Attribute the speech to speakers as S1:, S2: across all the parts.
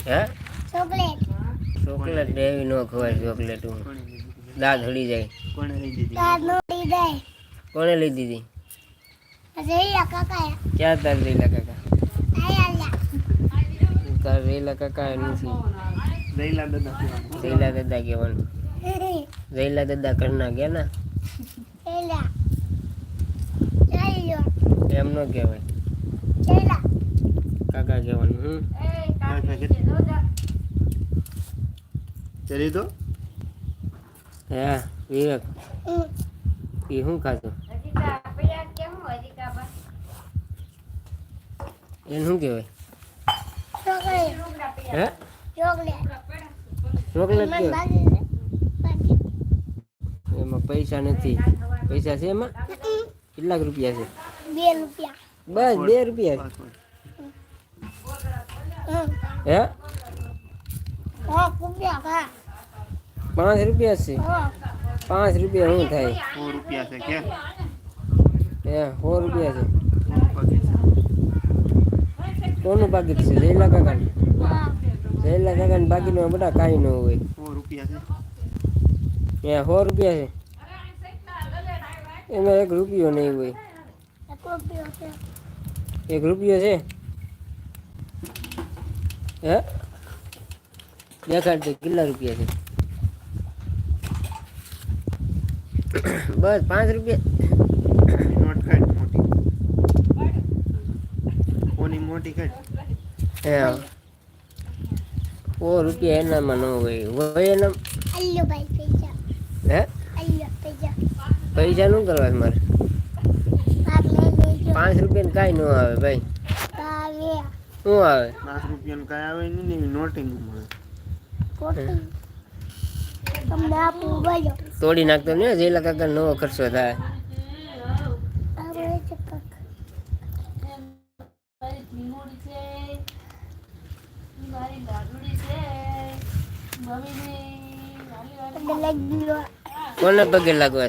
S1: હે
S2: chocolate
S1: chocolate એવી ન ખવાય ચોકલેટ દાંત હળી જાય
S2: કોણે લઈ દીધી તાર નો લઈ જાય
S1: કોણે લઈ દીધી
S2: રેલા કાકા
S1: ક્યાં તાર રેલા કાકા
S2: આયા
S1: તાર રેલા કાકા નથી
S2: રેલા દાદા
S1: કહેવાનું રેલા દાદા કરના ગયા ને
S2: રેલા ચાલ્યો
S1: એમ ન કહેવાય
S2: રેલા
S1: કાકા કહેવાનું
S2: ચલી તો
S1: હે વિવેક એ શું ખાતું એને શું કહેવાય હે ચોકલેટ કહેવાય એમાં પૈસા નથી પૈસા છે એમાં કેટલાક રૂપિયા છે
S2: 2 રૂપિયા
S1: બસ 2 રૂપિયા હે
S2: 5 રૂપિયા
S1: 5 રૂપિયા છે 5 રૂપિયા શું થાય
S2: 100 રૂપિયા છે કે
S1: હે 100 રૂપિયા છે કોનું પાકીટ છે જયલા કાકાનું જયલા કાકાનું પાકીટમાં બધા કાંઈ ન હોય
S2: 100 રૂપિયા છે
S1: હે 100 રૂપિયા છે એમાં 1 રૂપિયો નહીં હોય 1 રૂપિયો છે હે દેખાડ કેટલા રૂપિયા છે બસ 5 રૂપિયા
S2: નોટ કાઢ મોટી કોની મોટી કાઢ
S1: હે 100 રૂપિયા એનામાં ન હોય એના
S2: અલ્યો ભાઈ પૈસા
S1: હે
S2: અલ્યો પૈસા
S1: પૈસા શું કરવા છે મારે
S2: આપ લઈ લેજો
S1: 5 રૂપિયા કાંઈ ન આવે ભાઈ
S2: આવે
S1: શું આવે
S2: 5 રૂપિયા કાંઈ આવે નહીં નોટિંગ મળે તમને આપું બોલો
S1: તોડી નાખતો ને જેલા કાકા નવો ખર્ચો થાય કોને પગે લાગવા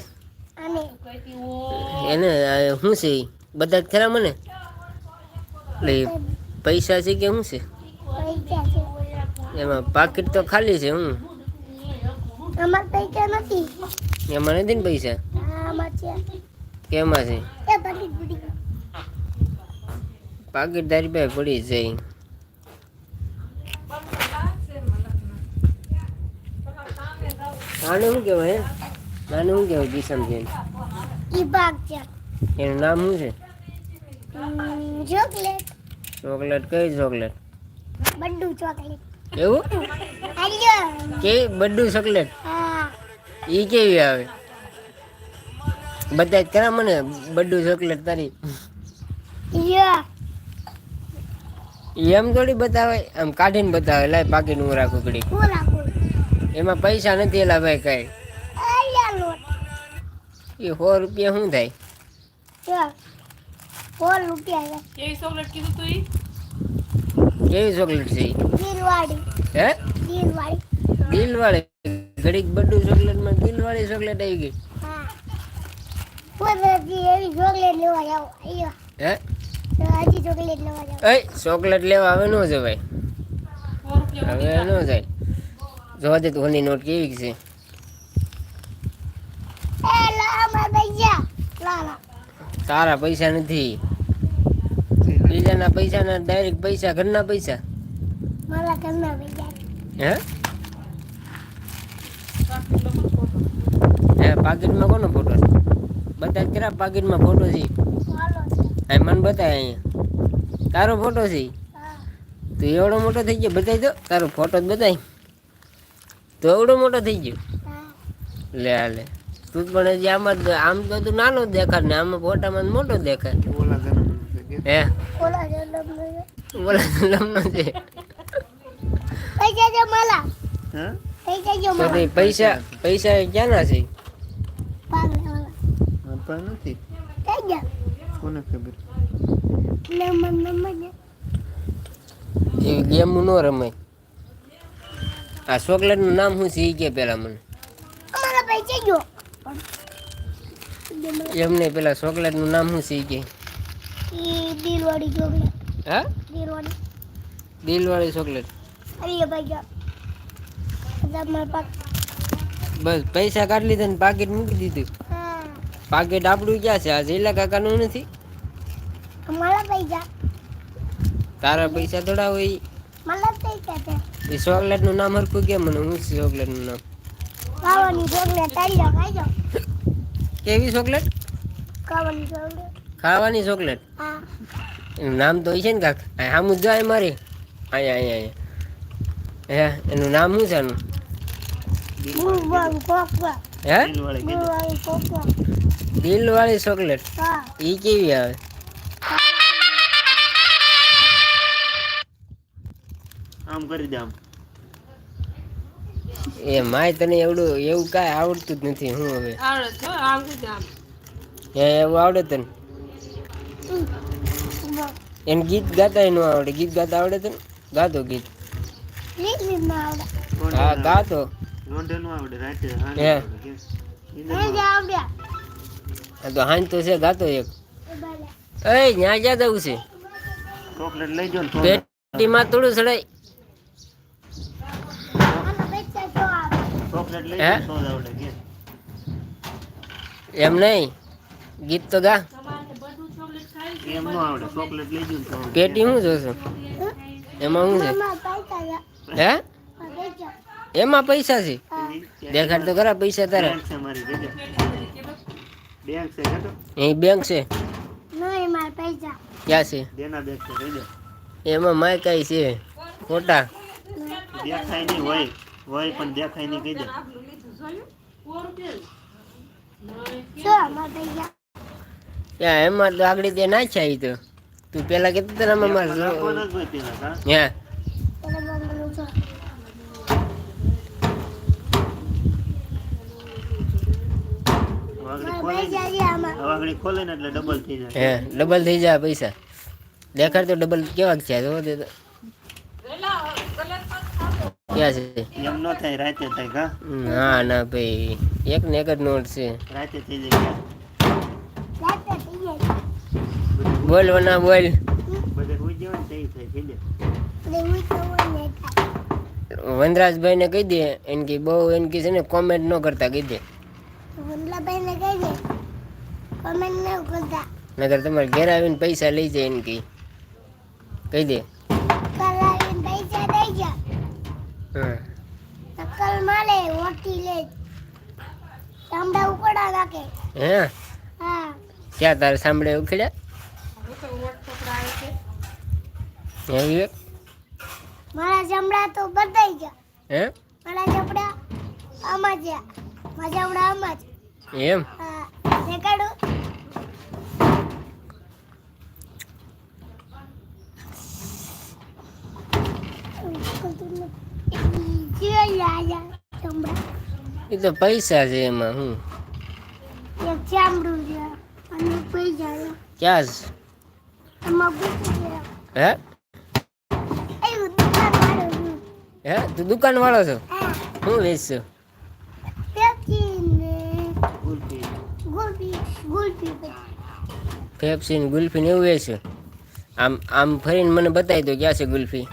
S1: એને શું છે બધા જ ખરા મને એટલે પૈસા છે કે શું છે એમાં પાકીટ તો ખાલી છે હું
S2: અમાર પૈસા નથી
S1: એમાં નથી ને પૈસા
S2: આમાં છે
S1: કેમાં છે
S2: એ પાકીટ પડી
S1: પાકીટ તારી પાસે પડી જાય આને શું કહેવાય આને શું કહેવાય કિસમ છે
S2: ઈ ભાગ છે
S1: એનું નામ શું છે
S2: ચોકલેટ
S1: ચોકલેટ કઈ ચોકલેટ
S2: બડ્ડુ ચોકલેટ
S1: એવું
S2: આલ્યો
S1: કેવી બડ્ડુ ચોકલેટ
S2: હા
S1: ઈ કેવી આવે બધા કરા મને બડ્ડુ ચોકલેટ તારી
S2: યો
S1: એમ થોડી બતાવે આમ કાઢીને બતાવે લાય પાકીટ હું રાખું ઘડી
S2: પૂરા
S1: એમાં પૈસા નથી એલા ભાઈ કઈ
S2: આલ્યો લોટ
S1: એ 100 રૂપિયા શું થાય
S2: યો 100 રૂપિયા
S3: કેવી ચોકલેટ કીધું તું ઈ
S1: કેવી ચોકલેટ છે ઈ?
S2: દિલવાડી
S1: હે
S2: દિલવાડી
S1: દિલવાળી ઘડીક બડ્ડુ ચોકલેટ માં દિલવાળી ચોકલેટ આવી ગઈ
S2: હા પૂરી એવી ચોકલેટ લેવા જાવ આયો
S1: હે
S2: હજી ચોકલેટ લેવા જાવ
S1: એ ચોકલેટ લેવા આવે ન જવાય
S3: 100 રૂપિયા
S1: હવે ન જાય જોવા દે તું નોટ કેવી છે
S2: એ લા માર પૈસા લા
S1: તારા પૈસા નથી બીજાના પૈસા ના ડાયરેક્ટ પૈસા ઘરના પૈસા
S2: મારા ઘરના પૈસા
S1: હે હે પાકીટમાં કોનો ફોટો છે બધા કરા પાકીટમાં ફોટો છે
S2: ચાલો
S1: આ મને બતાય અહીંયા તારો ફોટો છે
S2: હા
S1: તું એવડો મોટો થઈ ગયો બતાવી દો તારો ફોટો જ બતાય તો એવડો મોટો થઈ ગયો
S2: હા
S1: લે લે તું પણ હજી આમાં આમ તો તું નાનો જ દેખાડ ને આમાં ફોટામાં મોટો દેખાય
S2: ઓલા ઘરના
S1: હે
S2: ઓલા જલમ
S1: બોલા લમનો છે
S2: પૈસા જો માલા
S4: હા
S2: પૈસા જો
S1: તો
S2: માલા
S1: તે પૈસા પૈસા ક્યાંના છે
S2: પાગલ ઓલા
S4: આપણા નથી
S2: કઈ જા
S4: કોને ખબર
S2: લે મને
S1: એ ગેમ નો રમાય આ ચોકલેટ નું નામ શું છે ઈ કે પેલા મને
S2: અમારા પૈસા જો
S1: એમને પેલા ચોકલેટ નું નામ શું છે ઈ કે
S2: ઈ દિલવાડી ચોકલેટ
S1: હા
S2: દિલવાડી
S1: દિલવાળી ચોકલેટ
S2: અરે ભાઈ જા તમાર પાક
S1: બસ પૈસા કાઢી લીધા ને પાકીટ મૂકી દીધું.
S2: હા
S1: પાકીટ આપણું ક્યાં છે? આ જયલા કાકાનું નથી.
S2: મારા પૈસા
S1: તારા પૈસા થોડા હોય.
S2: મારા પૈસા છે
S1: એ ચોકલેટ નું નામ હરખું કે મને? હું છે ચોકલેટ નું નામ?
S2: ખાવાની ચોકલેટ તારી ખાઈ જાઓ
S1: કેવી ચોકલેટ?
S2: ખાવાની ચોકલેટ
S1: ખાવાની ચોકલેટ.
S2: હા
S1: એનું નામ તો હોય છે ને કાક. આમ જ જાય મારી. અહીંયા અહીંયા અહીંયા. હે એનું નામ શું છે આનું?
S2: ગુવાન કોકવા
S1: હે
S4: દિલવાળી કીધું.
S2: ગુવાન કોકવા
S1: દિલ વાળી ચોકલેટ.
S2: હા
S1: ઈ કેવી આવે?
S4: આમ કરી દે આમ.
S1: એ માય તને એવું કાંઈ આવડતું જ નથી. હું હવે
S3: આવડે છે આમ કીધું આમ.
S1: હે એવું આવડે તને? એને ગીત ગાતા ન આવડે. ગીત ગાતા આવડે તને? ગાતો ગીત.
S2: લીલી ના આવડે
S1: હા ગાતો.
S4: રોંઢે નું આવડે રાતે
S1: હે.
S4: આવડે કે
S2: હે જા આવડ્યા
S1: આ તો હાંજ તો છે ગાતો એક.
S2: એ બાલે
S1: એ ન્યા જ્યાં જવું છે?
S4: ચોકલેટ લઈ જો ને તો
S1: પેટીમાં થોડું ચડાય.
S2: આના પૈસા તો આવે
S4: ચોકલેટ લઈ
S1: હે?
S4: જો તો જ આવડે કે
S1: એમ નહીં, ગીત તો ગા.
S3: તમારે બધું ચોકલેટ ખાઈ
S4: એમ નો આવડે. ચોકલેટ લઈ જો ને તો આવડે.
S1: પેટી શું જોશો? એમાં શું છે?
S2: મામા પૈસા જા
S1: હે
S2: પૈસા
S1: એમાં પૈસા છે? દેખાડ તો ખરા પૈસા તારા.
S4: બેંક છે મારી જગ્યા. બેંક છે કે તો
S1: અહીં બેંક છે.
S2: નહીં મારા પૈસા
S1: ક્યાં છે?
S4: દેના બેંક છે લઈ જા.
S1: એમાં માય કાંઈ છે ખોટા?
S4: દેખાય નહીં હોય પણ દેખાય નહીં કહી દે.
S2: શું મારા પૈસા
S1: ત્યાં એમાં તો આગળ તે નાખ્યા ઈ તો. તું પેલા કહેતો તને આમાં
S4: રાખવાના જ હોય પેલા કા.
S1: હે
S2: તને બંગલો છો
S4: વાગડી
S2: મારા
S4: ખોલે
S2: પૈસા
S4: ને
S2: છે આમાં
S4: વાગડી ખોલે ને એટલે ડબલ થઈ જાય.
S1: હે ડબલ થઈ જાય પૈસા. દેખાડ તો ડબલ કેવા છે? જો દે તો. ક્યાં છે?
S4: એમ ન થાય રાતે થાય કા.
S1: ના ના ભાઈ, એક ને એક જ નોટ છે.
S4: રાતે થઈ જાય.
S2: રાતે થઈ જાય
S1: બોલ વના બોલ.
S4: બધે હોઈ જાય ને થઈ થાય થઈ જાય.
S2: એટલે હું તો હોય ને થાય
S1: વનરાજભાઈ ને કહી દે એને કે બહુ એને કે છે ને કોમેન્ટ ન કરતા કહી દે.
S2: વંદલાભાઈ ને કહી દે કમેન્ટ ન કરતા
S1: નગર તમારે ઘેર આવીને પૈસા લઈ જાય એને કહી દે.
S2: કલાવીને પૈસા દઈ જા
S1: હા
S2: નકલ માલે ઓટી લે ચામડા ઉકળા નાખે
S1: હે
S2: હા
S1: ક્યાં તારે સાંભળે ઉખેડ્યા?
S3: હવે તો વોટ પકડા આવે છે.
S1: હે વિવેક?
S2: મારા ચામડા તો બધાઈ ગયા
S1: હે
S2: મારા ચામડા આમાં છે મારા ચામડા આમાં છે
S1: એમ?
S2: હા દેખાડું ચામડા
S1: એ તો પૈસા છે એમાં. હું
S2: એક ચામડું છે અને પૈસા છે
S1: ક્યાં છે?
S2: એમાં પૂછું છે
S1: હે
S2: એવું દુકાન વાળું છું
S1: હે તું દુકાન વાળો છો?
S2: હા
S1: શું વેચશો?
S2: પેપ્સી ને
S4: ગુલફી.
S2: ગુલ્ફી ગુલ્ફી
S1: પેપ્સી ને ગુલ્ફી ને એવું વેચશો? આમ આમ ફરીને મને બતાવી દો ક્યાં છે ગુલ્ફી.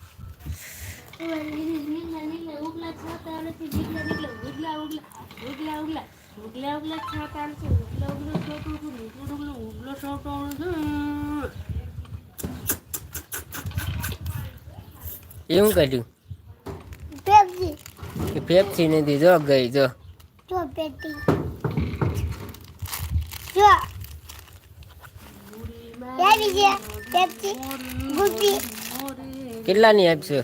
S1: એવું કાઢ્યું?
S2: પેપ્સી
S1: એ પેપ્સી નથી. જો ગઈ જો.
S2: જો પેટી જો એવી છે પેપ્સી ગુલ્ફી
S1: કેટલાની આપશો?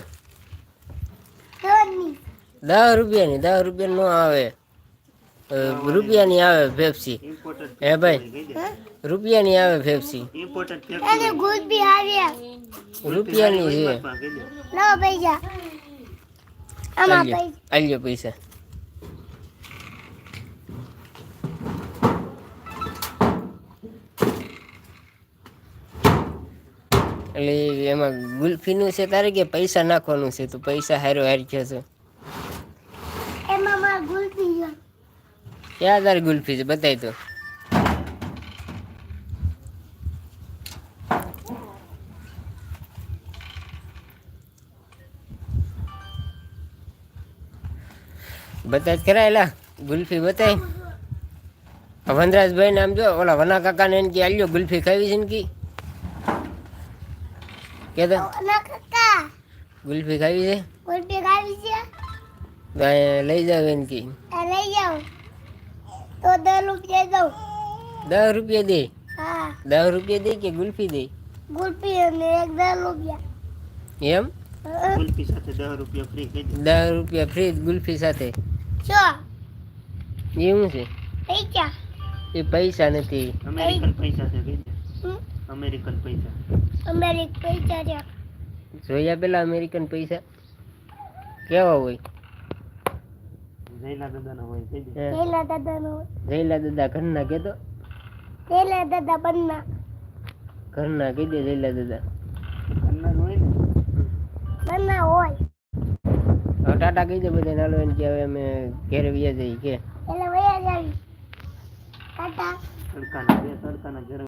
S2: રોજની
S1: 10 રૂપિયાની. 10 રૂપિયા નો આવે. રૂપિયાની આવે પેપ્સી.
S4: ઇમ્પોર્ટેડ
S1: હે ભાઈ
S4: કહી દે.
S1: રૂપિયાની આવે પેપ્સી.
S4: ઇમ્પોર્ટેડ
S2: અને ગુલ્ફી આવ્યા
S1: રૂપિયાની છે.
S4: કહી દે.
S2: લો પૈસા આમાં
S1: આલ્યો
S2: પૈસા
S1: આલ્યો પૈસા. એટલે એમાં ગુલ્ફીનું છે તારે કે પૈસા નાખવાનું છે? તો પૈસા હારો હારી ગયો છે.
S2: એમાં મારા ગુલ્ફી છે
S1: ક્યાં તારી ગુલ્ફી છે? બતાવી તો. બતાય જ કરાયેલા ગુલ્ફી બતાય વનરાજભાઈ ને આમ જો ઓલા વના કાકા ને કે આલ્યો ગુલ્ફી ખાવી છે ને કી કે
S2: ના કાકા
S1: ગુલ્ફી ખાવી છે
S2: ગુલ્ફી ખાવી છે
S1: તો અહીંયા લઈ જાવ એને કી
S2: આ લઈ જાઓ તો 10 રૂપિયા દઉં
S1: 10 રૂપિયા દે
S2: હા
S1: 10 રૂપિયા દે કે ગુલ્ફી દે
S2: ગુલ્ફી અને એક 10 રૂપિયા
S1: એમ
S4: કુલ્ફી સાથે 10 રૂપિયા ફ્રી કહી દે.
S1: 10 રૂપિયા ફ્રી ગુલ્ફી સાથે
S2: શું
S1: એવું છે
S2: પૈસા
S1: એ પૈસા નથી
S4: અમેરિકન પૈસા છે કહી દે.
S2: હમ?
S4: અમેરિકન પૈસા
S2: અમેરિક પૈસા છે
S1: જોયા પેલા અમેરિકન પૈસા કેવા હોય
S4: જયલા દાદાના હોય કહી દે.
S1: હે?
S2: પેલા દાદાનો
S1: જયલા દાદા ઘરના કેતો
S2: પેલા દાદા બનના
S1: ઘરના કહી દે જયલા દાદા
S4: કન્નડ હોય ને
S2: બનના હોય
S1: હવે ટાટા કહી દે બધા નાલો એને કે હવે અમે ઘેરે વ્યા જઈએ કે
S2: એટલે વયા જાવી ટાટા
S4: તડકાના ઘેર